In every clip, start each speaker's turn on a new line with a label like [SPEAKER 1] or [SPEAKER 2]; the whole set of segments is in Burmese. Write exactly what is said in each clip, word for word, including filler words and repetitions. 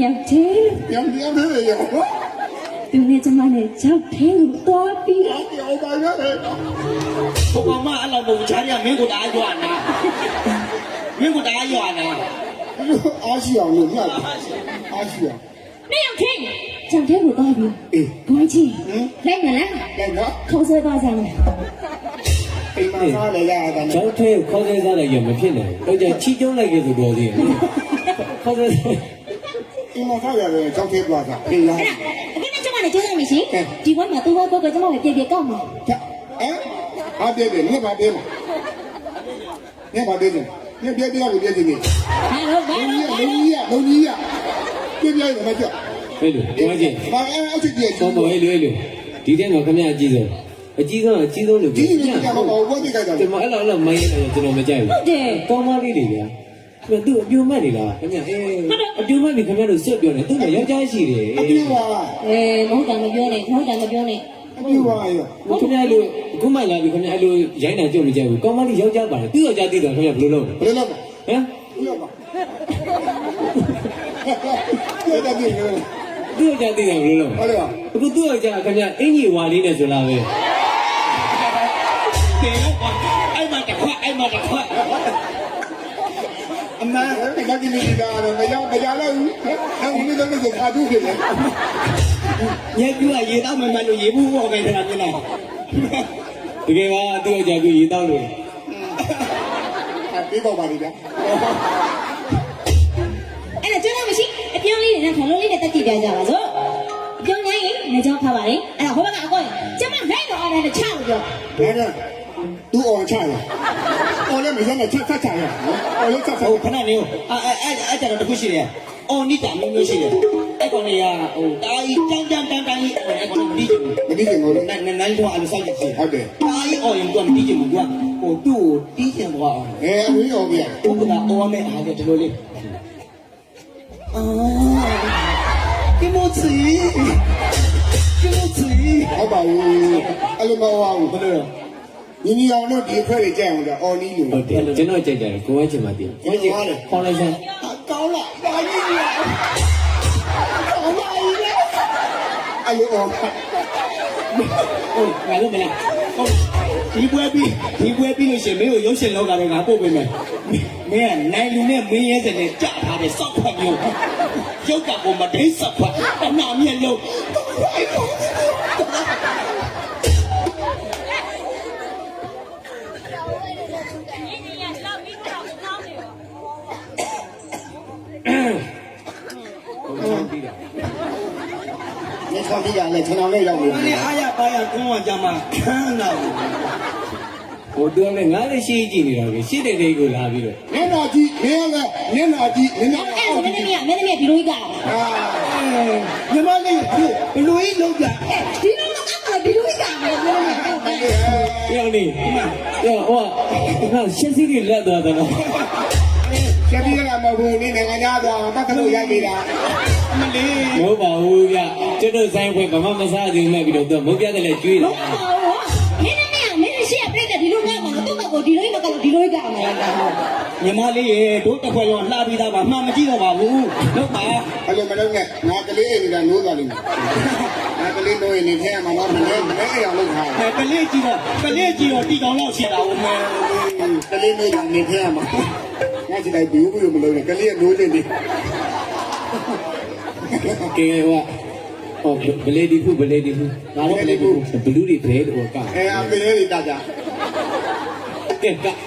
[SPEAKER 1] မြောက်တယ်
[SPEAKER 2] ပြောင်းပြောင်းနေရော
[SPEAKER 1] သူနဲ့ကျမနဲ့ကြောက်ထင်းကိုသွားပြီး
[SPEAKER 2] ပြောင်းပါရတယ်
[SPEAKER 3] ဘုကောင်မအဲ့လိုပုံချားရမင်းကိုတအားရွာနာမင်းကိုတအားရွာနာ
[SPEAKER 2] အားရှိအောင်လို့ညတ်အားရှိအောင်
[SPEAKER 1] မြောက်ထင်းကြောက်ထင်းကိုသွားပြီး
[SPEAKER 2] အေး
[SPEAKER 1] ဘွားကြီးလိုက်မလား
[SPEAKER 2] လိုက်တော့
[SPEAKER 1] ခေါ်ဆွဲသွားကြမယ်
[SPEAKER 2] အိမ်မှာစားလေရတာ
[SPEAKER 4] ကျောင်းထဲခေါ်ဆွဲစားလိုက်ရမဖြစ်နိုင်ဘူးတော့ကြချီကျုံးလိုက်ခဲ့ဆိုတော့သေးတယ်ခေါ်ဆွဲ
[SPEAKER 2] အိမ်မှာစားရတယ်ကျောင်းထဲသွားတာအေးလား
[SPEAKER 1] အခုနဲ့ကျမနဲ့ကျိုးရမယ်ရှင်ဒီဘက်မှာသူ့ဘက်ကကျမကိုပြေပြေကောက်မှာ
[SPEAKER 2] ဟမ်အားပြည့်တယ်ညဘာပြည့်မှာညဘာပြည့်တယ်ညပြည့်ပြည့်ကိုပြည့်နေတယ်
[SPEAKER 1] ဟာလို့ဘာလို့
[SPEAKER 2] လုံးကြီးရလုံးကြီးရပြည့်ပြည့်ရမှာကြောက်
[SPEAKER 4] ဟဲ့လို့ပြောချင်း
[SPEAKER 2] ဘာအဲ့အချစ်ကြီး
[SPEAKER 4] ဆောင်းပေါ်ဟဲ့လို့ဟဲ့လို့ဒီထဲမှာခမရအကြီးဆုံးအကြီးဆုံးအကြီးဆုံးလို့
[SPEAKER 2] ကြီးကြီးကမဟုတ်ဘူးတိတ်ကြတာ
[SPEAKER 4] ကျွန်တော်အဲ့လိုအဲ့လိုမိုင်းရတယ်ကျွန်တော်မကြိုက်ဘူး
[SPEAKER 1] ဟုတ်တယ်
[SPEAKER 4] ကောင်းမလေးတွေဗျာသူအပြိုမဲ့နေလားခင်ဗျအေးအပြိုမဲ့ပြီခင်ဗျတို့စွတ်ပြောနေသူ့မှာယောက်ျားရှိတယ်
[SPEAKER 2] အပြိုပါ
[SPEAKER 1] အေးမဟုတ်တာမပြောနဲ့မဟုတ်တာမပြောနဲ့
[SPEAKER 2] အပြိုပါရော
[SPEAKER 4] ခင်ဗျလို့အခုမှလာပြီခင်ဗျအဲ့လိုရိုင်းတာကြုံမကြိုက်ဘူးကောင်းမလေးယောက်ျားပါတယ်သူ့ယောက်ျားသိတော့ခင်ဗျဘယ်လိုလုပ်
[SPEAKER 2] ဘယ်လိုလုပ်ဟမ်
[SPEAKER 4] ဘယ်
[SPEAKER 2] လိုပါကျေတာကြီးရော
[SPEAKER 4] သူ့ယောက်ျားသိတယ်ဘယ်လိုလုပ်
[SPEAKER 2] ဟုတ်တယ်
[SPEAKER 4] အခုသူ့ယောက်ျားခင်ဗျအင်ကြီးဝါလေးနဲ့ဆိုလာပဲ
[SPEAKER 3] တေအဲ့မှာတစ်ခွက်အဲ့မှာတစ်ခွက်
[SPEAKER 2] အမှန်ကကြီးနေကြတော့မရောက်မကြတော့ဘူးအဲ့ဒီလိုမျိုးခါတူးဖြစ်တယ်
[SPEAKER 3] ရေပြူကရေတောက်မှမှလို့ရေဘူးဟောခဲ့တာပြန်လာ
[SPEAKER 4] တကယ်ပါသူ့ယောက်ျားကရေတောက်လို့
[SPEAKER 2] အပြေးတော့ပါလိမ့်ဗျာ
[SPEAKER 1] အဲ့ဒါကျတော့မရှိအပြောင်းလေးနဲ့ခလုံးလေးနဲ့တက်ကြည့်ပြကြပါစို့အပြောင်းနိုင်ရင်နေကြောင်းခါပါလေအဲ့ဒါဟိုဘက်ကအကောကျမလိုက်တော့အဲ့ဒါနဲ့ချလို့ပြော
[SPEAKER 2] ဘယ်နဲ့သူ့အောင်ချရအော်လည်းမရနဲ့ချက်ချက်ချရအော်လည်းချက်ချက်
[SPEAKER 3] ဟိုခဏနေအဲ့အဲ့အဲ့ကြတော့တခုရှိတယ်အော်နိတာမျိုးမျိုးရှိတယ်အဲ့ကောင်လေးကဟိုတာကြီးတန်းတန်းတန်းတန်းကြီးအဲ့ကောင်မတီးချင်ဘူး
[SPEAKER 2] မတီးချင်ဘူးလို့
[SPEAKER 3] နိုင်နိုင်တော့အဲ့လိုစောက်ကြည့်
[SPEAKER 2] ဟုတ်တယ်
[SPEAKER 3] တာကြီးအော်ရင်တော့မတီးချင်ဘူးကွာဟိုသူ့ကိုတီးချင်သွားအောင်
[SPEAKER 2] အဲအမင်းရောပြ
[SPEAKER 3] ဘုရားအော်မဲအားကဒီလိုလေးအာကိမိုချီကိမိုချီ
[SPEAKER 2] ဟုတ်ပါဘူးအဲ့လိုမဟုတ်ဘူး
[SPEAKER 3] ဘယ်လို
[SPEAKER 2] ညီညီအောင်တို့ဒီဖွဲ့တွေကြိုက်အောင်တော့အော်နီးလို့
[SPEAKER 4] ဟုတ်တယ်ကျွန်တော်ကြိုက်တယ်ကိုဝဲချင်မှတည်
[SPEAKER 2] ကိုဝဲချင်ပါလေ
[SPEAKER 4] ခေါ်လိုက်စမ်း
[SPEAKER 2] ကောင်းလားဒါကြီးကြီးကောင်းပါဘူးအဲ့လိုအော်
[SPEAKER 3] ဟုတ်ငါလို့မလားဟုတ်ဒီပွဲပြီးဒီပွဲပြီးလို့ရှိရင်မင်းကိုရုပ်ရှင်လောကထဲငါပို့ပေးမယ်မင်းကနိုင်လူနဲ့မင်းရဲစတဲ့ကြာထားတဲ့စောက်ဖက်မျိုးရုပ်ကကိုမဒိတ်စောက်ဖက်တနာမြက်လုံး
[SPEAKER 2] 你唱这样嘞，唱到那样
[SPEAKER 3] 我的哎呀，哎呀，跟我讲嘛，看到。
[SPEAKER 4] ဟိုတော့လည်းငါလည်းရှိကြည့်နေတာပဲရှိတဲ့တဲ့ကိုလာပြီးတော့
[SPEAKER 2] မျက်နှာကြည့်မျက်နှာမျက်နှာကြည့်မျက်နှာ
[SPEAKER 1] အဲ့ဒါမင်းသမီးကမင်းသမီးကဒီလိုကြီးကအာ
[SPEAKER 3] ညီမလေးဘလူကြီးလုံးပြ
[SPEAKER 1] ဒီလိုမကောက်ဘူးဒီလိုကြီးကမယ်ပြောနေ
[SPEAKER 4] ပြောင်းနေပြောဟိုကငါရှင်းစီးကြီးလက်သွားတယ်နော်
[SPEAKER 2] ကျပြီးရမှာဘူးနေနိုင်ငံသားသွားတတ်လို့ရိုက်နေတာ
[SPEAKER 3] အမလေး
[SPEAKER 4] မဟုတ်ပါဘူးဗျကျွတ်တို့ဆိုင်ခွဲဘာမှမစားသေးမှပြီးတော့သူမုတ်ပြတယ်လေကျွေးတယ်
[SPEAKER 1] မင်းသမီးကမင်းရှိရပြည့်တဲ့ဒီလိုမျိုးမှာတော့သူ့ဘက်ကိုဒီလိုကြီးမကောက်ဒီလိုကြီးကမယ်
[SPEAKER 3] ညီမလေးရေတို့တစ်ခွက်လုံးလှပြီးသားပါမှမကြည့်တော့ပါဘူးဟုတ်ပါ
[SPEAKER 2] အဲ့လိုမလုပ်နဲ့ငါကလေးအိမ်ကနိုးသွားလိမ့်မယ်ငါကလေးနိုးရင်နေထဲမှာတော့မလဲမလဲအိမ်အောင်လုပ်ထား
[SPEAKER 3] တယ်ကလေးကြည့်တော့ကလေးကြည့်တော့တီကောင်လောက်ရှင်းတာဦးမယ်
[SPEAKER 2] ကလေးနိုးရင်နေထဲမှာငါကြည့်လိုက်ဘူးဘူးမလုပ်နဲ့ကလေးကနိုးနေတယ်
[SPEAKER 4] ကဲဟိုဟောဘလေဒီဖူဘလေဒီဖူငါတော့ဘလေဒီဖူဘလူးတွေဘဲတော့က
[SPEAKER 2] အဲအပေလေးတာကြ
[SPEAKER 4] ကဲက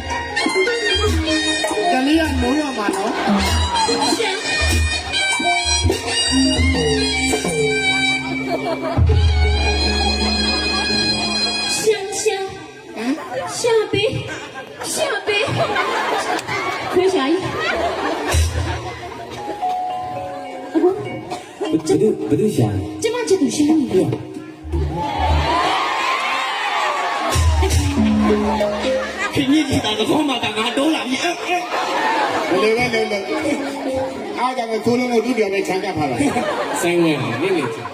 [SPEAKER 2] ကလေးကနိုးရမှာနော်
[SPEAKER 1] 香香啊，下杯，下杯，亏啥意？阿公，
[SPEAKER 4] ဘယ်သူဘယ်သူရှာလဲ
[SPEAKER 1] 这嘛这都香你了。
[SPEAKER 3] ခင်ကြီးကြီးတာကောင်းမှတာငါတော့လာပြီ
[SPEAKER 2] ဘယ်လိုလဲလဲအားကြောင့်သူ့လုံးကိုသူ့ပြောင်းနဲ့ခြံကပ်ထားတာ
[SPEAKER 4] ဆိုင်ဝင်နေနေချင်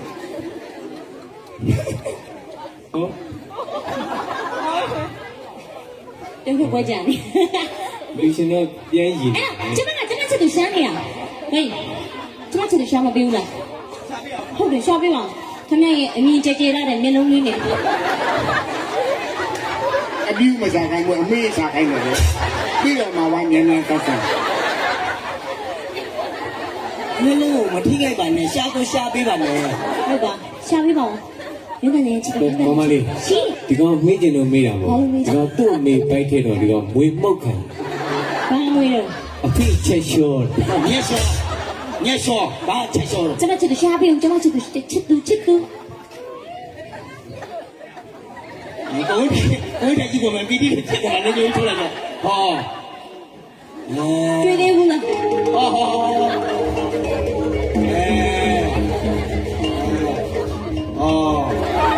[SPEAKER 4] ဟော
[SPEAKER 1] 等会我讲你。
[SPEAKER 4] လူရှင်တော့ပြန်ရည်
[SPEAKER 1] 哎呀，这嘛这嘛这都香你啊？喂，这嘛这都香吗？不用了。ဟုတ်တယ်ရှားပေးပါခင်ဗျရဲ့အမြင်ကြဲကြဲလာတဲ့မျက်လုံးလေးနဲ့
[SPEAKER 2] အပြီးမစားခိုင်းဘူးအမေးစားခိုင်းတယ်ပြီးတော့မှဝိုင်းမြန်မြန်ဆက်ဆက်
[SPEAKER 3] မင်းလုံးမထိခိုက်ပါနဲ့ရှားကိုရှားပေးပါနဲ့
[SPEAKER 1] ဟုတ်ပါရှားပေးပါဦးရုပ်ကနေချစ်တယ်
[SPEAKER 4] မမလေး
[SPEAKER 1] ရှင်
[SPEAKER 4] ဒီကောင်မေးကျင်လို့မေးတာမဟုတ်ဒီကောင်သူ့အမေပိုက်ခဲ့တော့ဒီကောင်မွေမှုတ်ခံ
[SPEAKER 1] ဘာမွေးတော့
[SPEAKER 4] အဖေချက်လျှော့
[SPEAKER 3] ညက်ဆောညက်ဆောဘာချက်ဆော
[SPEAKER 1] ကျမချစ်တယ်ရှားပေးဦးကျမချစ်တယ်ချစ်သူချစ်သူ
[SPEAKER 3] ဒီကောင်းကိုယ်တည်းကမပီတိချက်တာလည်းကြိုးထုတ်လိုက်တော့ဟော
[SPEAKER 1] တွေ့သေးဘူးလား
[SPEAKER 3] ဟောဟောအဲအော်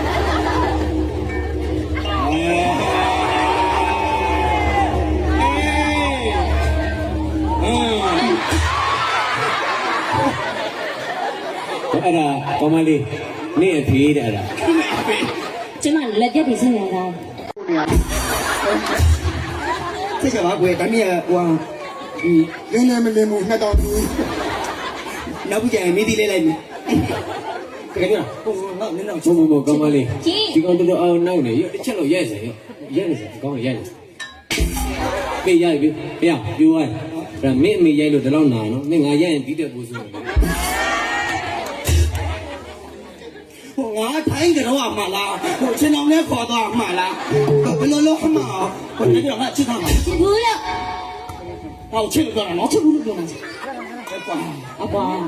[SPEAKER 3] အဲ
[SPEAKER 4] အဲ့ဒါကောမလေးနေအဖေးတဲ့အဲ့ဒါ
[SPEAKER 1] ကျမလက်ပြတ်ပြီးစဉ်းနေတာ
[SPEAKER 3] 这个嘛，贵，咱们也哇，嗯，
[SPEAKER 2] လင်းနေမလင်းဘူးနှစ်တောင်သူ
[SPEAKER 3] 那不讲没地来来，这个地方，不不，那那那
[SPEAKER 4] ဘုံဘုံကောမလေးဒီကောင်တော်တော်အောင်နောက်နေရတစ်ချက်လို့ရိုက်စေရရိုက်နေစေဒီကောင်ရိုက်နေပေးရိုက်ပြီဖေရပြိုးရဒါမင်းအမေရိုက်လို့ဒီလောက်နာနော်မင်းငါရိုက်ရင်ဒီတဲ့ပူဆိုတယ်
[SPEAKER 3] 我太个了嘛啦，我去弄那跑到嘛啦，不老老嘛，我那个嘛去干嘛？
[SPEAKER 1] ချစ်ဘူးလို့
[SPEAKER 3] 啊，我去了干嘛？我
[SPEAKER 1] ချစ်ဘူးလို့ပြောမှာအပွား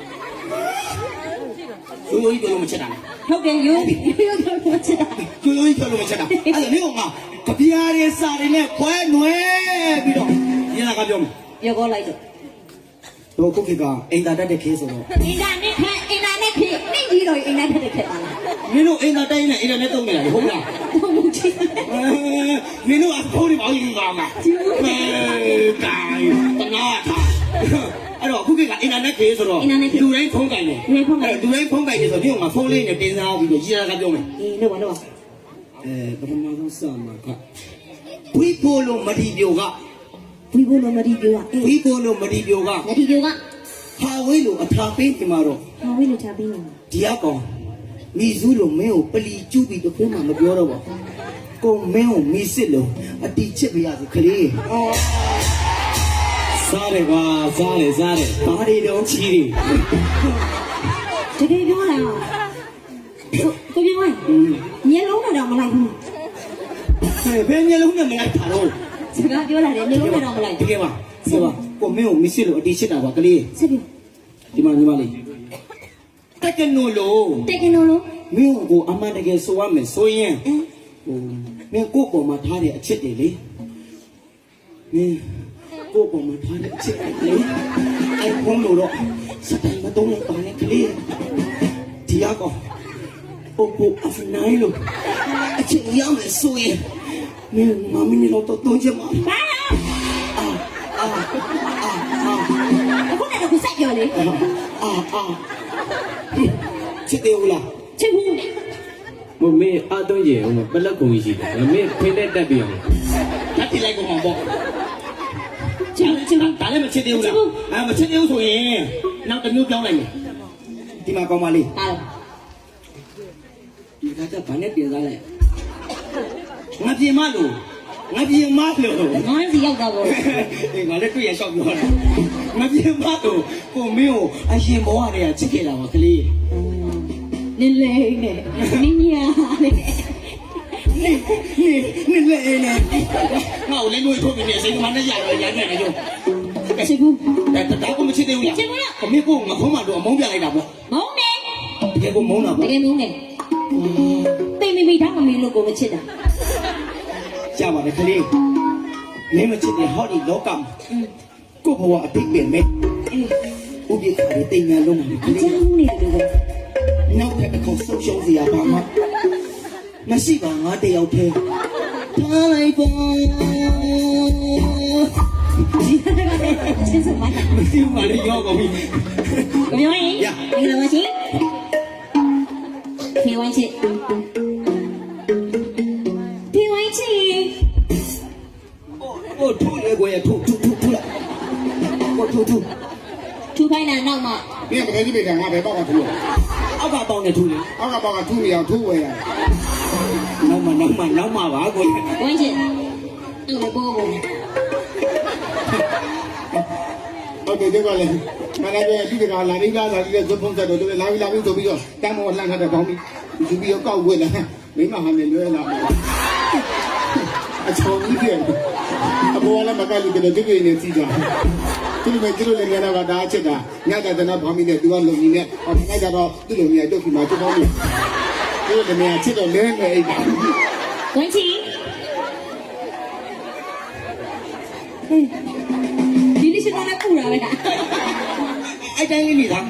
[SPEAKER 3] 有有一个我们吃的，
[SPEAKER 1] ဟုတ်တယ်ရိုးရိုးတော့ချစ်တာ
[SPEAKER 3] 有有一个我们吃的，哎呀，你讲嘛，隔壁的啥的呢？快暖，比如你那个叫，
[SPEAKER 1] ပြောကောလိုက်တော့
[SPEAKER 3] 我估计个，人家在这开始了。
[SPEAKER 1] အင်တာနက်ခက်အင်တာနက်ခေနေကြီးတော့အင်တာနက်ခက်ပါလား
[SPEAKER 3] မင်းတို့အိမ်သာတိုင်းနဲ့အိမ်ထဲတုံးနေတာဟုတ်လား
[SPEAKER 1] တော့မချစ်
[SPEAKER 3] မင်းတို့အဖိုးတွေမအောင်ယူပါမှာအဲကိုင်းတနာထားအဲ့တော့ခုကကအင်တာနက်ခေဆိုတော့လူတိုင်းဖုန်းကိုင်တယ်လူတိုင်းဖုန်းကိုင်တယ်ဆိုတော့ဒီမှာဖုန်းလေးနဲ့တင်စားပြီးတော့ရည်ရတာပြောမယ်
[SPEAKER 1] အေးလို့ပါလို့ပါ
[SPEAKER 3] အဲပထမဆုံးစမှာကဝီပိုလိုမဒီပြိုက
[SPEAKER 1] ဘီဘလို့မဒီပြောอ่ะ
[SPEAKER 3] ဝီပိုလိုမဒီပြိုက
[SPEAKER 1] မဒီပြောက
[SPEAKER 3] ဟာဝေးလိုအထာပေးဒီမှာတော့
[SPEAKER 1] ဟာဝေးလို့ချပေးနေ
[SPEAKER 3] ဒီအကောင်မိစုလိုမင်းကိုပလီကျူးပြီးတော့ဘယ်မှမပြောတော့ပါကိုမင်းကိုမိစစ်လို့အတီချစ်ပြရစီခလေးအော်
[SPEAKER 4] စားတယ်ကွာစားတယ်စားတယ်
[SPEAKER 3] ဘာတွေတော့
[SPEAKER 4] ချီးတယ်
[SPEAKER 1] တကယ်ပြောလားကိုပြောရင်မျက်လုံးနဲ့တော့မလိုက်ဘူး
[SPEAKER 3] ဘယ်မျိုးလုံးနဲ့မလိုက်တာတော့
[SPEAKER 1] စကားပြောလာတယ်မျက်လုံးနဲ့တော့မလိုက်
[SPEAKER 3] တကယ်ပါဆိုပါကိုမင်းကိုမိစစ်လို့အတီချစ်တာပါကလေး
[SPEAKER 1] ဆက်ပြီး
[SPEAKER 3] ဒီမှာညီမလေးတက်ကနိုလို့
[SPEAKER 1] တက်ကနိုလို့
[SPEAKER 3] မင်းကိုအမှန်တကယ်ဆိုရမယ်ဆိုရင်ဟိုမင်းကိုပေါ်မှာထားတဲ့အချစ်တွေလေမင်းကိုပေါ်မှာထားတဲ့အချစ်တွေလေအဲ့ဘုံလို့တော့စတိုင်းမတုံးလိုက်ပါနဲ့ကလေးဒီအကောင်ပို့ပို့အဖနိုင်လို့အချစ်ရမယ်ဆိုရင်မင်းမမင်းတော့တော့ချင်မှာ
[SPEAKER 1] ဘာ
[SPEAKER 3] အာအာအာအာ
[SPEAKER 1] အခုနဲ့တော့ဆက်ပြောလေ
[SPEAKER 3] အာအာချစ်တယ်ဦးလား
[SPEAKER 1] ချစ်ဘူး
[SPEAKER 4] မမင်းအတော့ရေအောင်ပလက်ကုံကြီးရှိတယ်မင်းဖိတဲ့တက်ပြအောင်
[SPEAKER 3] ဓာတ်တိလိုက်ကောင်ပေါ့
[SPEAKER 1] ချစ်ဘူးချစ်ဘူး
[SPEAKER 3] ဒါလည်းမချစ်သေးဘူးလားအဲမချစ်သေးဘူးဆိုရင်နောက်တစ်မျိုးပြောင်းလိုက်မယ်ဒီမှာကောင်းပါလေ
[SPEAKER 1] ဟာ
[SPEAKER 3] ဒီကကြဘာနဲ့ပြင်စားလိုက်ငါပြင်မလို့ငါပြင်မလို့
[SPEAKER 1] ငါးစီရောက်တာပေါ့
[SPEAKER 3] အေးငါလည်းတွေ့ရလျှောက်ပြောတာငါပြင်မလို့ကိုမင်းကိုအရင်ဘဝတည်းကချစ်ခဲ့တာပါကလေး
[SPEAKER 1] နင်းလေနဲ့နင်းညာနဲ့
[SPEAKER 3] နေနေနေလေနေငါ့ကိုလည်းလို့ထုတ်ပြီးစိတ်ကမှနဲ့ရရရနေတယ်ကြော
[SPEAKER 1] ချစ်ဘူး
[SPEAKER 3] ဒါဒါကိုမချစ်သေးဘူးလား
[SPEAKER 1] ချစ်ဘူးလား
[SPEAKER 3] ခမင်းကိုငါဖုံးမတော့အမုန်းပြလိုက်တာပေါ့
[SPEAKER 1] မုန်းနေ
[SPEAKER 3] ကယ်ကိုမုန်းတာ
[SPEAKER 1] တ
[SPEAKER 3] ပေါ့
[SPEAKER 1] ကယ်မုန်းတယ်တိတ်မိမိတော့မမင်းလို့ကိုမချစ်တာ
[SPEAKER 3] ကြပါလေခလေးမင်းမချစ်တဲ့ဟောဒီလောကမှာကိုဘဝအတိတ်ပင်မဲ့
[SPEAKER 1] အေး
[SPEAKER 3] ဥပိ္ပခါတွေတင်ညာလုံးမှာခ
[SPEAKER 1] အ
[SPEAKER 3] လေး
[SPEAKER 1] ချမ်းနေတယ်လို့
[SPEAKER 3] နောက်ထပ်တစ်ခေါက်ဆုံးရှုံးစရာဘာမှမရှိပါငါတယောက်တည်းထားလိုက်ပါ
[SPEAKER 1] ဒီကနေ့ချင်းစမိုင်း
[SPEAKER 3] မရှိပါလေရောကောပြီ
[SPEAKER 1] ကိုပြောရင်ဒီလိုမရှိဖေဝိုင်းချစ်ဖေဝိုင်းချစ်
[SPEAKER 3] ဟိုထိုးလေကိုရထိုးထိုးထိုးထိုးလာဟိုထိုးထိုး
[SPEAKER 1] ထူခိုင်းတာနောက်မှ
[SPEAKER 2] 你也不该去别干，俺别报个图，
[SPEAKER 3] အောက်ကပေါင်းနေထိုးလေ
[SPEAKER 2] 俺个报个图没有图我呀。
[SPEAKER 3] နောက်မှနောက်မှနောက်မှပါကို
[SPEAKER 1] ဝိုင်းချစ်အဲ့လိုပို့ဖို့
[SPEAKER 2] ဟုတ်တယ်ဒီကလည်းမနက်ပဲဒီကလာနေကားလာပြီးတော့ဇွတ်ဖုံးဆက်တော့လာပြီးလာပြီးဆိုပြီးတော့တမ်းမောလှမ်းထားတဲ့ပေါင်းပြီးသူပြီးတော့ကောက်ဝဲလာမိမဟာနဲ့လွဲလာအချောင်းကြီးတယ်အပေါ်လည်းမကလို့တဲ့ဒီကိနေစီးကြသူလည်းကျလို့လည်းရတာကဒါအချက်တာညတာတနာဘောင်းပြီးနဲ့သူကလုံကြီးနဲ့ဟောဒီကကြတော့သူ့လုံကြီးတော့ဒီမှာချက်ပေါင်းနေသူလည်းမြန်ချစ်တော့လဲနေအိတ်တာ
[SPEAKER 1] ဝိုင်းချစ်ဒီလိုရှိတော့လည်းပူတာပဲ
[SPEAKER 3] အဲ့တိုင်းလေးနေတာ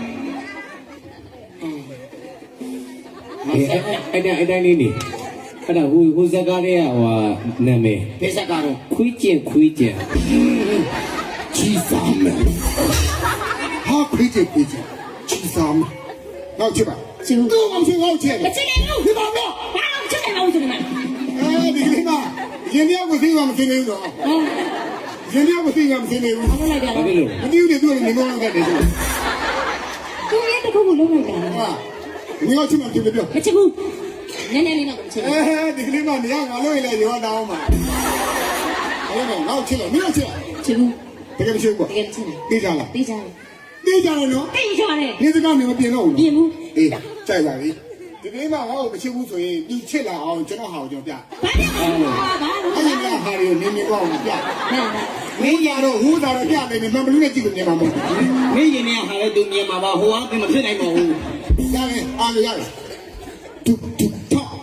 [SPEAKER 4] အဲ့ဒါအဲ့တိုင်းလေးနေအဲ့ဒါဟိုဟိုဇက်ကားလေးကဟိုနာမည်
[SPEAKER 3] ဘယ်ဆက်ကတော့
[SPEAKER 4] ခွေးကျင်ခွေးကျင်
[SPEAKER 2] ကြီးစားမယ်ဟာခွေးချစ်ခွေးချစ်ကြီးစားမယ်နောက်ချစ်ပါ
[SPEAKER 1] ချစ်ဘူး
[SPEAKER 2] သူ့အောင်ချစ်အောင်ချစ်
[SPEAKER 1] မချစ်နိုင်ဘူး
[SPEAKER 2] ဒီပါတော့
[SPEAKER 1] ဘာလို့ချစ်နိုင်အောင်ဆိုနေမှာ
[SPEAKER 2] အဲဒီကလေးမရင်တယောက်ကိုသိမှမသိနေဘူးတော့
[SPEAKER 1] ဟော
[SPEAKER 2] ရင်တယောက်ကိုသိမှမသိနေဘူး
[SPEAKER 1] ဘာလို့လိုက်ကြ
[SPEAKER 4] ဘာ
[SPEAKER 1] လဲ
[SPEAKER 4] ဖြစ်လို့
[SPEAKER 2] မသိဘူးလေသူကလည်းနေမောင်းခဲ့တယ်ဆို
[SPEAKER 1] သူရဲ့တခုခုလုံးလိုက်တာ
[SPEAKER 2] ဟာငါချစ်မှပြောပြော
[SPEAKER 1] မချစ်ဘူးနည်းနည်းလေးတော့မချစ်ဘူး
[SPEAKER 2] အဲဒီကလေးမနေရငါလို့လေရောတောင်းမှာအဲ့တော့ငါ့ချစ်လို့မင်းချစ်
[SPEAKER 1] ချစ်ဘူး
[SPEAKER 2] တကယ်မရှိဘူး
[SPEAKER 1] တကယ်ချစ်တယ်
[SPEAKER 2] သိကြလား
[SPEAKER 1] သိကြတယ်
[SPEAKER 2] သိကြတယ်နော်
[SPEAKER 1] သိကြတယ်
[SPEAKER 2] နေစကားမျိုးမပြင်တော့ဘူး
[SPEAKER 1] ပြင်ဘူး
[SPEAKER 2] အေးကြိုက်ပါပြီဒီကလေးမငါ့ကိုမချစ်ဘူးဆိုရင်သူချစ်လာအောင်ကျွန်တော်ဟာကိုကျွန်တော်ပြ
[SPEAKER 1] ဘာလို့ဘာလို့
[SPEAKER 2] အဲ့ဒီကဟာတွေကိုနင်းနေတော့ပြ
[SPEAKER 1] နာနာ
[SPEAKER 2] မင်းရတော့ဟိုးတာတော့ပြနေတယ်မဘလူးနဲ့ကြည့်လို့နေမှာမဟုတ်
[SPEAKER 3] မင်းရင်เนี่ยဟာလဲသူမြင်မှာပါဟိုကမဖြစ်နိုင်ပါဘူး
[SPEAKER 2] ဘူးရတယ်အားရရတယ်တူတူထောက်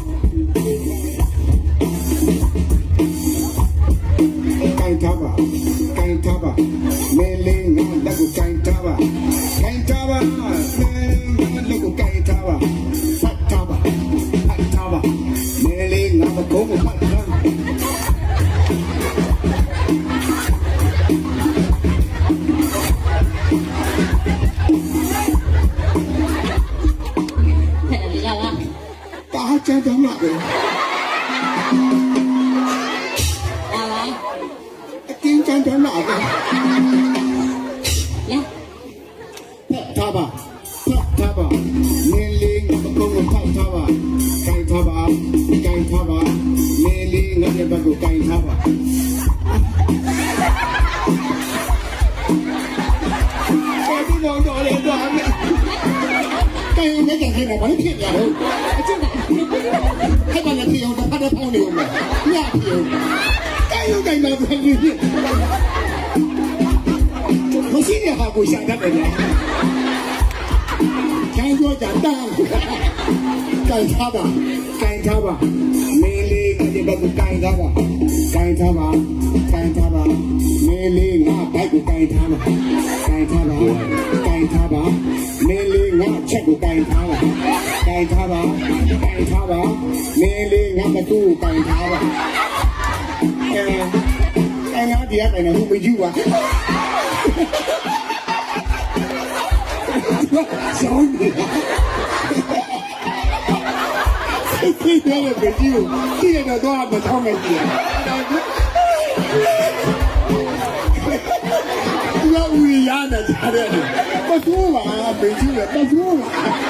[SPEAKER 2] ကိုင်ထားပါကိုင်ထားပါမဲလေးငါလက်ကိုကိုင်ထားပါကိုင်ထားပါမဲလက်ကိုကိုင်ထားပါဖတ်ထားပါဖတ်ထားပါမဲလေးငါမကုန်းကိုဖတ်ထား
[SPEAKER 1] ဖက်တယ်လား
[SPEAKER 2] တာချမ်းတောင်းလာတယ်
[SPEAKER 1] လာလာ
[SPEAKER 2] အတင်းချမ်းတောင်းလာတယ်
[SPEAKER 1] လာ
[SPEAKER 2] ဖတ်ထားပါဖတ်ထားပါမဲလေးငါမကုန်းကိုဖတ်ထားပါကိုင်ထားပါကိုင်ထားပါမဲလေးငါရဲ့ဘက်ကိုကိုင်ထားပါ ဒီတော့တော့လေတော့အမေတိုင်နေကြခဲ့တာဘာလို့ဖြစ်ရတော့
[SPEAKER 1] အချစ်က
[SPEAKER 2] အဲ့ဒါလည်းပြောတာဖတ်တဲ့ပေါင်းနေဦးမယ်ညပြောတိုင်ရုံတိုင်တော့ပြန်ပြီးမရှိရဟာကိုရှာတတ်တယ်ညာကျန်တော့ကြတန်းကန်ထားပါကန်ထားပါမင်းလေးကဒီဘက်ကိုကန်ထားပါကန်ထားပါကန်ထားပါမင်းလေးငါဘက်ကိုကန်ထားပါကန်ထားပါကန်ထားပါမင်းလေးငါချက်ကိုကန်ထားပါကန်ထားပါကန်ထားပါမင်းလေးငါမတူကန်ထားပါအဲအဲ့ငါဒီကကန်နေဘူးမကြည့်ပါဆောင်းနေဒီကနေ့ပဲကြည့်ဦးဒီကတော့တော့မထောင်းနိုင်ဘူး။ဘာဦးရမ်းတယ်ကြားတယ်။ဘာသူ့မှာပဲကြည့်ရဘာသူ့မှာ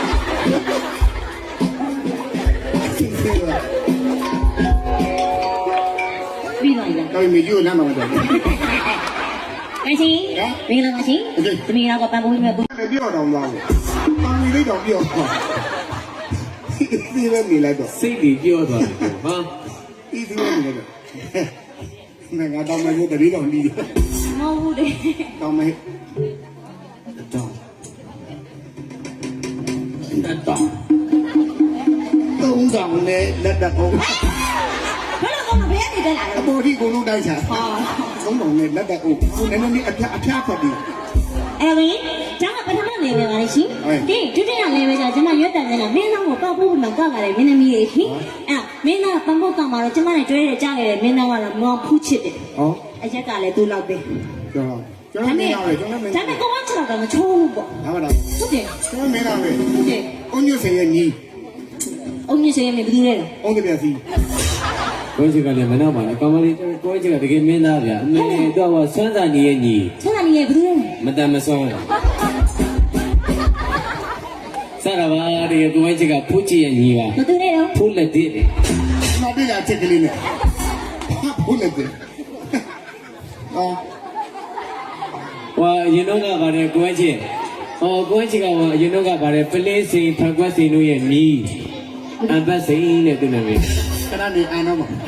[SPEAKER 1] ပြီးပါလား
[SPEAKER 2] တော်ပြီကြည့်လမ်းမှာတော့
[SPEAKER 1] အချင်းမင်္ဂလာပါရှင်သမီးတော့ပန်ပိုးမြတ်ဘူး
[SPEAKER 2] လည်းပြောတော့သွားတယ်။တောင်းနေလိုက်တော့ပြောတော့ဒီလည်းနေလိုက်တော့
[SPEAKER 4] စိတ်ကြီးပြောသွားတယ်ဟာ
[SPEAKER 2] ဒီဒီလည်းနေလိုက်တော့ငါတောင်းမလို့တတိတော်လီး
[SPEAKER 1] မဟုတ်ဘူးလေ
[SPEAKER 2] တောင်းမတောင်းလက်တော့သုံးဆောင်နဲ့လက်တကုန်း
[SPEAKER 1] ဘယ်လိုကောင်းဘယ်ကနေတက်လာလဲ
[SPEAKER 2] အပေါ်ထိကိုလုံးတိုက်ချာ
[SPEAKER 1] ဟာ
[SPEAKER 2] သုံးဆောင်နဲ့လက်တကုန်းကိုနည်းနည်းလေးအဖျားအဖျားဖတ်ပြီး
[SPEAKER 1] အဲ့ဝင်ဒါကပထမနေပဲပါလေရှင်ဒီဒုတိယလည်းပဲကြာကျွန်မရွတ်တန်နေတာမင်းသားကိုကောက်ဖို့မှကောက်လာတယ်မင်းသမီးလေးရှင်အဲ့မင်းသားပန်းဖို့ကောက်မှာတော့ကျွန်မနဲ့တွဲရကြခဲ့တယ်မင်းသားကတော့မောင်ဖူးချစ်တယ်
[SPEAKER 2] ဟော
[SPEAKER 1] အရက်ကလည်းသူ့လောက်ပဲ
[SPEAKER 2] ကျွန်တော်ကျွန်တော်မင်းရပဲကျွန်တော်မင်း
[SPEAKER 1] ဒါပေမဲ့ကောင်းချင်တော့မချိုးဘူးပေါ့
[SPEAKER 2] ဒါမှတော့
[SPEAKER 1] ဟုတ်တယ်
[SPEAKER 2] ကျွန်တော်မင်းရပဲ
[SPEAKER 1] ဟုတ်တယ်
[SPEAKER 2] အုံညွတ်စင်ရဲ့ညီ
[SPEAKER 1] အုံညစင်ရမယ်ဘယ်သူလဲလဲ
[SPEAKER 2] အုံးတပြစီ
[SPEAKER 4] ကိုကြီးကလည်းမနောက်ပါနဲ့ကောင်းမလေးကိုကြီးကတကယ်မင်းသားဗျာအမေတော့ကဆွမ်းစာညီရဲ့ညီ
[SPEAKER 1] ဆန္ဒနေရဘယ်သူလဲ
[SPEAKER 4] မတန်မဆွမ်းစရပါဒီကိုကြီးကဖူးချစ်ရဲ့ညီပါ
[SPEAKER 1] ဘယ်သူလဲတော့
[SPEAKER 4] ဖူးလက်တည်း
[SPEAKER 2] မပြေတာချက်ကလေးနဲ့ဟာဘူးလက်တယ်အော်
[SPEAKER 4] ဟောရင်တော့ကပါတယ်ကိုကြီးဟောကိုကြီးကဟောရင်တော့ကပါတယ်ပလင်းစိန်ဖန်ကွက်စိန်တို့ရဲ့ညီအပတ်စိန်နဲ့သူနာမည်
[SPEAKER 2] ခဏနေအာနော်မဟာ
[SPEAKER 1] အဲ့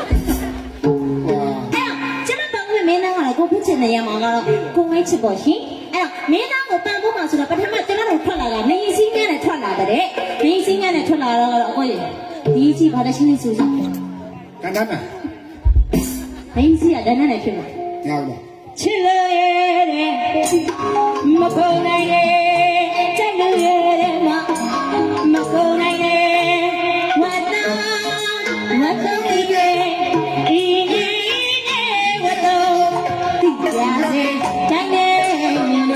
[SPEAKER 1] ကျွန်မပန်းဖို့မင်းသားကလည်းကိုဖူးချစ်နေရမှာကတော့ကိုဝိုင်းချစ်ပေါ့ရှင်အဲ့တော့မင်းသားကိုပန်းဖို့မှာဆိုတော့ပထမကျွန်တော်တို့ထွက်လာတာနေစည်းငန်းနဲ့ထွက်လာတဲ့နေစည်းငန်းနဲ့ထွက်လာတော့အကိုကြီးဒီကြီးဘာလဲရှင်းနေစူးစမ်း
[SPEAKER 2] ကန္တနာ
[SPEAKER 1] နေစည်းကဒဏ္ဍနဲ့ဖြစ်မှာ
[SPEAKER 2] ရပါလား
[SPEAKER 1] ချစ်လို့ရတဲ့မကုန်နိုင်ရဲ့ကြိုက်လို့ရတဲ့မမကုန်နိုင်ရဲ့ဝတ်တာဝတ်တော့ဒီရဲ့ဒီရဲ့ဝတ်တော့ဒီရစေတိုင်းနေလေ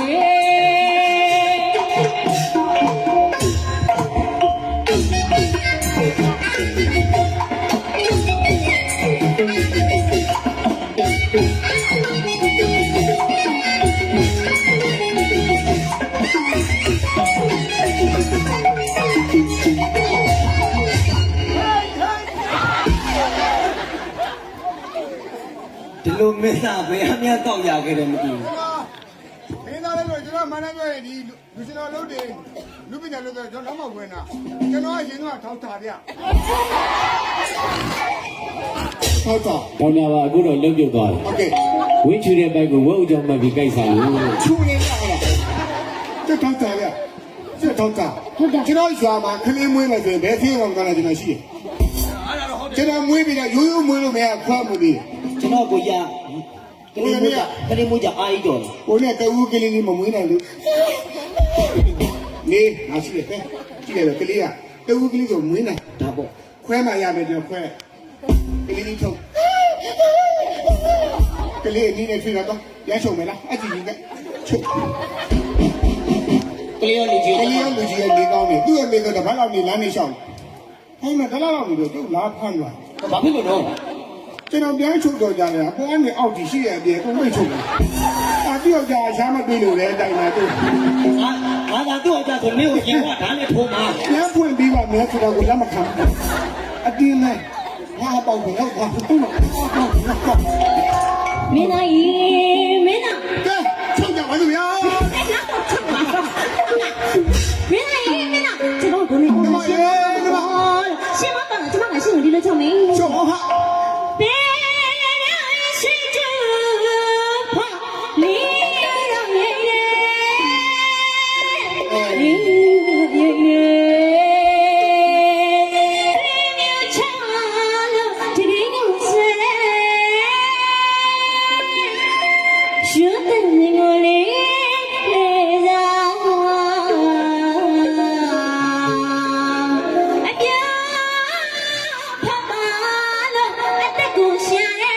[SPEAKER 3] ဒီလိုမင်းသားပဲအမြတ်တော့ရခဲ့တယ်မသိဘူး
[SPEAKER 2] မင်းသားလေးတို့ကျွန်တော်မန္တလေးရဲ့ဒီလူရှင်တော်လုပ်တယ်လူပညာလုပ်တယ်ကျွန်တော်တော့မဝင်တာကျွန်တော်အရင်ကထောက်တာဗျထောက်တာ
[SPEAKER 4] ဒေါက်တာကအခုတော့လုံးပြုတ်သွားတယ်
[SPEAKER 2] โอเค
[SPEAKER 4] ဝင်းချူတဲ့ဘက်ကိုဝုတ်ကြောင်မှပြီးကြိုက်စားလို့
[SPEAKER 2] ချူနေရလား这ထောက်တာဗျ这ထောက်တာ
[SPEAKER 1] ဟုတ်တယ်
[SPEAKER 2] ကျွန်တော်ရွာမှာခလေးမွေးမယ်ဆိုရင်ဘယ်သေးအောင်ကလည်းကျွန်တော်ရှိတယ်ကျွန်တော်မွေးပြီးတော့ရိုးရိုးမွေးလို့မရခွားမှုပြီး
[SPEAKER 3] ကျွန်တော်ကိုရကလေးမွေးကလေးမွေးကြအာရီတော်
[SPEAKER 2] ကိုနဲ့တဝူးကလေးလေးမမွေးနိုင်လို့နေငါရှိတယ်ကြည့်ရတယ်ကလေးကတဝူးကလေးကိုမွေးနိုင်
[SPEAKER 3] ဒါပေါ့
[SPEAKER 2] ခွဲမှရမယ်ကျွန်တော်ခွဲကလေးလေးထုတ်ကလေးအနည်းနဲ့ထွေးတော့ရမ်းချုံမယ်လားအကြည့်ကြီးကချုပ်
[SPEAKER 3] ကလေးရောလူကြီး
[SPEAKER 2] ကလေးရောလူကြီးရဲ့နေကောင်းတယ်သူ့ရဲ့မိကတော့ဘာလို့နေလမ်းနေရှောင်းဟဲ့မတလားတော့လို့သူ့လားဖမ်းသွား
[SPEAKER 3] ဘာဖြစ်လို့တော့
[SPEAKER 2] ကျွန်တော်ပြန်ချုပ်တော့ကြတယ်အပေါ်ကနေအောက်ကြီးရှိရဲ့အပြင်ကိုမိတ်ချုပ်တယ်အာတယောက်ကြာရှားမပြေလို့လည်းတိုင်လာသူ
[SPEAKER 3] ငါငါသာသူ့အကြဆိုမင်းကိုရင်ကဓာတ်နဲ့ထိုးမှာ
[SPEAKER 2] ပြန်ဖွင့်ပြီးပါမယ်ဆိုတော့ကိုလက်မခံဘူးအတင်းနဲ့ငါပေါက်ပြီးတော့ဘာသူ့မှာ
[SPEAKER 1] မင်းသားကြီးမင်းသား
[SPEAKER 2] ကဲချုပ်ကြပါစို့ဗျာ
[SPEAKER 1] မင်းသားကြီးမင်းသားကျွန်တော်ဘုန်းကြီးကိုရှင်းပါရှင်းပါပါကျွန်မကရှင်းလို့ဒီလိုချုပ်မင်း
[SPEAKER 2] ချုပ်ဟာ
[SPEAKER 1] ဘယ်ရှိချူဟာလီရောင်နေနေလီရေရေချာလို့ဒီရင်းကိုဆဲရှုတဲ့ငိုလေးလေစားအပြာဖတ်ပါလို့အတက်ကိုရှာရဲ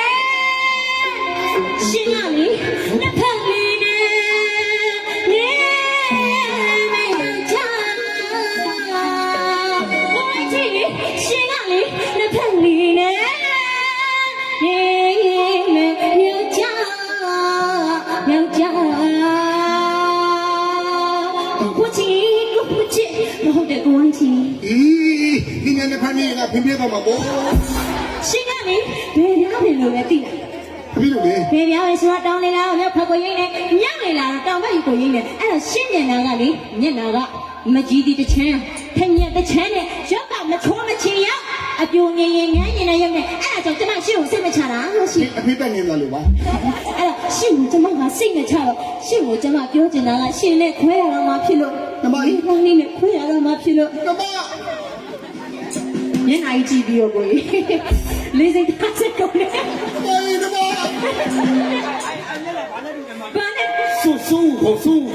[SPEAKER 1] ရှင်းရမည်နှစ်ဖက်လေးနဲ့နေမေချာဘိုးကြီးရှင်းရမည်နှစ်ဖက်လေးနဲ့နေမေမြေချာမြေချာကိုချီကိုချီမဟုတ်တဲ့ကိုချီ
[SPEAKER 2] ဤဒီနေ့နဲ့ဖမ်းနေကဖင်းပြတော့မှာပေါ့
[SPEAKER 1] ရှင်းရမည်ဘယ်များပြီလို့လဲသိလား
[SPEAKER 2] ပြီးလို့လေ
[SPEAKER 1] ဘယ်ပြောင်းလဲဆိုတော့တောင်းနေလားမြောက်ဖက်ကိုရင်းနေမြောက်နေလားတောင်ဘက်ကိုရင်းနေအဲ့တော့ရှင်းနေတာကလေမျက်နာကမကြီးတီတစ်ချမ်းထညက်တစ်ချမ်းနဲ့ရောက်ကမချိုးမချင်ရောက်အပြိုငင်ငင်ငန်းငင်နဲ့ရုပ်နဲ့အဲ့ဒါကြောင့်ကျမရှင့်ကိုစိတ်မချတာလို့ရှင်
[SPEAKER 2] အဖေတက်နေတယ်လို့ပါ
[SPEAKER 1] အဲ့တော့ရှင့်ကိုကျမကစိတ်မချတော့ရှင့်ကိုကျမပြောချင်တာကရှင်နဲ့ခွဲရတော့မှဖြစ်လို့ဒီကောင်းလေးနဲ့ခွဲရတော့မှဖြစ်လို့
[SPEAKER 2] ကမ
[SPEAKER 1] မျက်နှာကြီးကြည့်ပြီးတော့ကိုကြီးလေးစိတ်ထားစက်ကုန်တယ်
[SPEAKER 2] အေးကမ
[SPEAKER 1] ဘာနဲ့
[SPEAKER 3] 苏苏口苏口，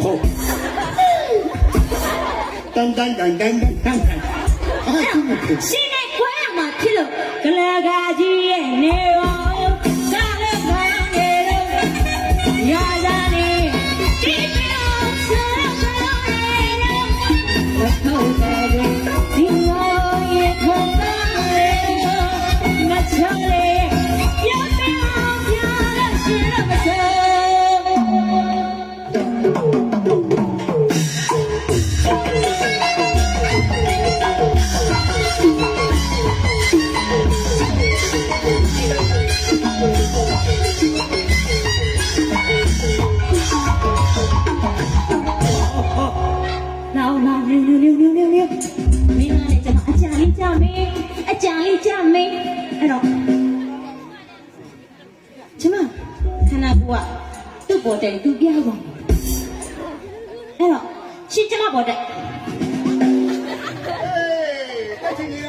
[SPEAKER 3] 当当当当当当当，哎，苏口。
[SPEAKER 1] ရှင်နဲ့ခွဲရမှဖြစ်လို့ကလကာကြီးရဲ့နေရောကားလည်းခံနေလို့ရာဇာနေဒီပြောဆရာဆရာရဲ့တော့တယ်ဒီလိုရဲ့ခေါ်တာမချလေပြောပြောပြောလို့ရှင်တော့မစ nào nào liêu liêu liêu liêu liêu liêu mình là để cho nó chả đi chả mình chả đi chả mình ai đó chứ mà khả năng của tôi bỏ chạy tôi bia rồi ai đó xin cho nó bỏ chạy
[SPEAKER 2] တက်ချင်နေတာ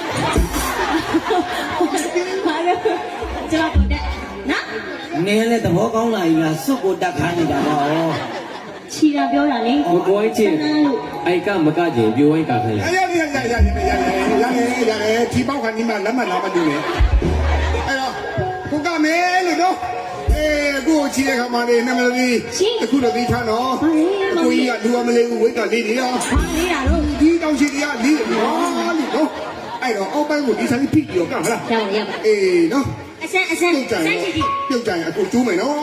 [SPEAKER 1] mà đâu cho nó bỏ chạy nè
[SPEAKER 3] နင်းလည်းသဘောကောင်းလာပြီလားစွတ်ကိုတက်ခါနေတာပေါ့
[SPEAKER 1] chỉ là biểu là đi
[SPEAKER 4] မကွိုင်းချင်းအိုက်ကမကချင်းပြိုဝိုင်းကခိုင်းလိုက်
[SPEAKER 2] ရရရရရရရရရရဒီပေါက်ခါဒီမှာလက်မှတ်လာမလို့လေအဲ့တော့ကိုကမဲလို့တော့အေးကိုချီတဲ့ခါမှာနေနမလေးအခုတော့ဒီထားတော့ကိုကြီးကလူအမလေးကိုဝိတ်ကလေးနေရော
[SPEAKER 1] ဘာလေးတာလို့
[SPEAKER 2] ဒီတောင်ရှိတရားလေးဟာလို့နော်အဲ့တော့အောက်ပိုင်းကိုဒီဆိုင်ဖိပြီးတော့ကဟလား
[SPEAKER 1] ကြောက်ရပါ
[SPEAKER 2] အေးနော်
[SPEAKER 1] အစမ်းအစမ်း
[SPEAKER 2] ပြုတ်ကြ
[SPEAKER 1] စ
[SPEAKER 2] ရင်
[SPEAKER 1] မ်းကြည့်ကြည့်
[SPEAKER 2] ပြုတ်ကြရင်အခုကျိုးမယ်နော်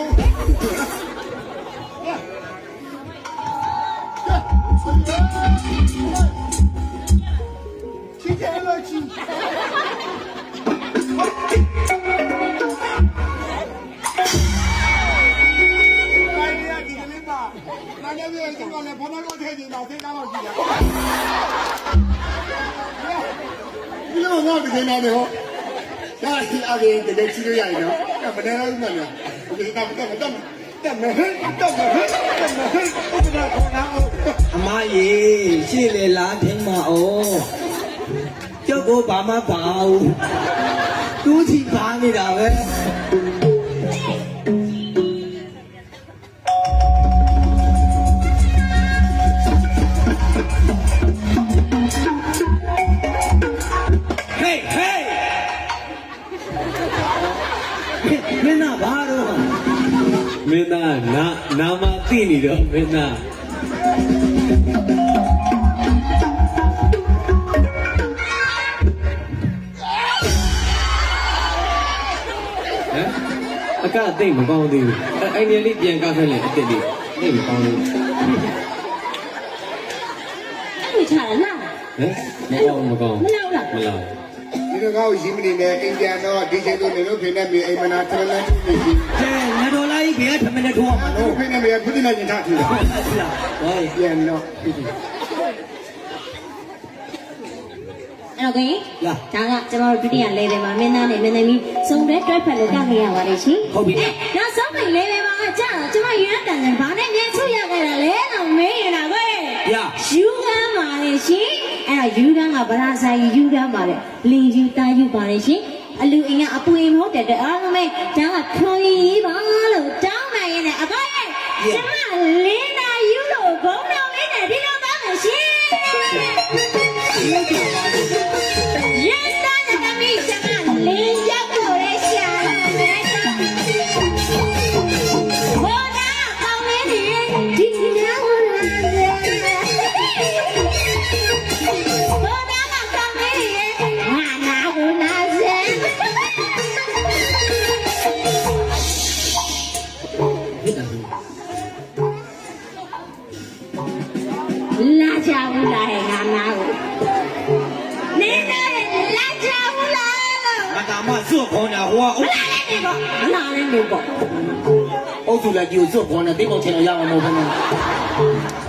[SPEAKER 2] ချစ်တယ်လို့ချစ်那那边这个呢，旁边我太近了，谁干了去的？你怎么我这个哪里好？呀，阿弟，这个吃的呀，呢，干不来了嘛呢？我给你干干干干么很，干么很，干么很，我给他搞哪哦？
[SPEAKER 3] အမကြီးရှေ့လေလားထင်းမအောင်ကျုပ်ကိုဘာမှပါဘူးတူးချီပါနေတာပဲ Hey hey မင်းနာဘာတော့
[SPEAKER 4] မင်းသားနာနာမသိနေတော့မင်းသားအကသိမ့်မကောင်းသေးဘူးအဲ့ဒီလေးပြန်ကောက်ခဲ့လေအစ်စ်လေးသိမကောင်းဘူး
[SPEAKER 1] အဲ့လိုချတာလား
[SPEAKER 4] ဟမ်မကောင်းမကောင်း
[SPEAKER 1] မလောက်လား
[SPEAKER 4] မလား
[SPEAKER 2] ဒီတော့ကောင်းရင်းမနေနဲ့အိမ်ပြန်တော့ဒီချိန်တို့နေလို့ဖိနေပြီအိမ်မနာထရလန်နေပြီ
[SPEAKER 3] ကဲငါတော်လာကြီးဘယ်ကထမင်းနဲ့ထိုးအောင်မ
[SPEAKER 2] ဟို
[SPEAKER 3] လို့
[SPEAKER 2] ဖိနေပြီဖုတိနေရင်ထားထီလား
[SPEAKER 3] ဟော
[SPEAKER 2] ပြန်တော့
[SPEAKER 1] အဲ့တော့ကိုရင်ဒါကကျွန်တော်တို့ဒုတိယ level မှာမင်းသားနဲ့မင်းသမီးစုံတဲ့တွဲဖက်လို့ကခဲ့ရပါတယ်ရှင်နောက်ဆုံးပိတ် level မှာကြာတော့ကျွန်တော်ရန်တန်တယ်ဘာနဲ့မြန်ဆုရခဲ့တာလဲတော့မင်းရတာကိုယူကမ်းပါလေရှင်အဲ့တော့ယူကမ်းကဗရာဆိုင်ယူကမ်းပါလေလင်ယူတာယူပါလေရှင်အလူအိမ်ကအပူအိမ်မဟုတ်တဲ့အားလုံးပဲဒါကခွန်ကြီးပါလို့တောင်းနိုင်ရင်လည်းအကောရဲ့ကျမလင်းနာယူလို့ဘုံတော်လေးနဲ့ဒီလိုသားမယ်ရှင်ရန်တန်တဲ့မိကျမလင်းရောက်လို့ရရှာတယ်ဘောနာကောင်းနေဒီနာဝလာတယ်ဘောနာကောင်းနေဟာနာဝလာတယ်လာကြဘူးလားဟဲ့ငါနာကိုနေနေလာကြဘူးလားလို့
[SPEAKER 3] ငါကမှစွတ်ခေါ်တာဟိုက
[SPEAKER 1] မလာနဲ့နေပေါ့မလာနဲ့နေပေါ့
[SPEAKER 3] အုပ်စုလိုက်ကြီးကိုစွတ်ခေါ်နေတိတ်ပေါချင်တော့ရအောင်မဟုတ်ဘူး